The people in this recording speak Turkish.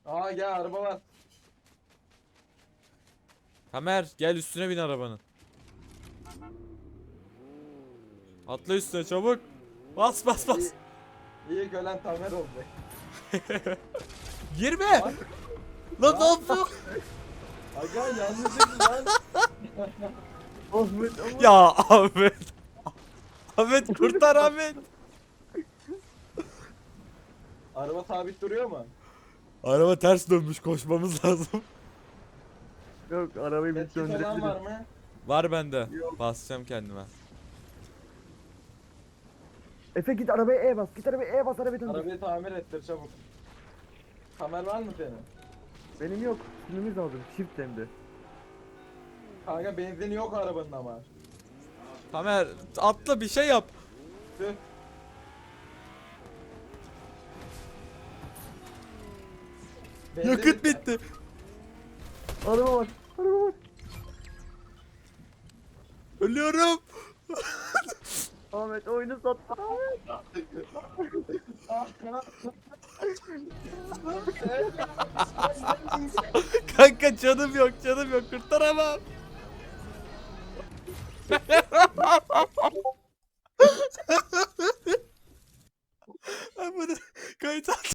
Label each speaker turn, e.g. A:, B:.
A: Aa gel araba var.
B: Tamer gel üstüne bin arabanın. Atla üstüne çabuk. Bas bas bas.
A: İyi, iyi gölen Tamer olacak.
B: Girme.
A: Bak.
B: Lan ne yapıyorsun?
A: Aga yanlışlıkla lan.
C: Ahmet.
B: Ya Ahmet. Ahmet kurtar Ahmet.
A: Araba sabit duruyor mu?
B: Araba ters dönmüş, koşmamız lazım.
C: Yok arabayı bir
A: Etkisi olan var
C: söndürebiliriz.
A: mı?
B: Var bende.
C: Yok.
B: Basacağım kendime.
C: Efe git arabaya E bas. Git arabaya E bas arabayı döndür.
A: Arabayı tamir ettir çabuk. Tamer var mı senin?
C: Benim yok. Sürmemiz lazım. Çift hem de.
A: Kanka benzin yok arabanın ama.
B: Tamer atla bir şey yap.
A: Tüh. Benzin
B: Yakıt bitti.
C: Araba var. Araba var.
B: Ölüyorum.
C: Ahmet oyunu sattı. Ahmet.
B: Kanka canım yok, canım yok, kurtaramam.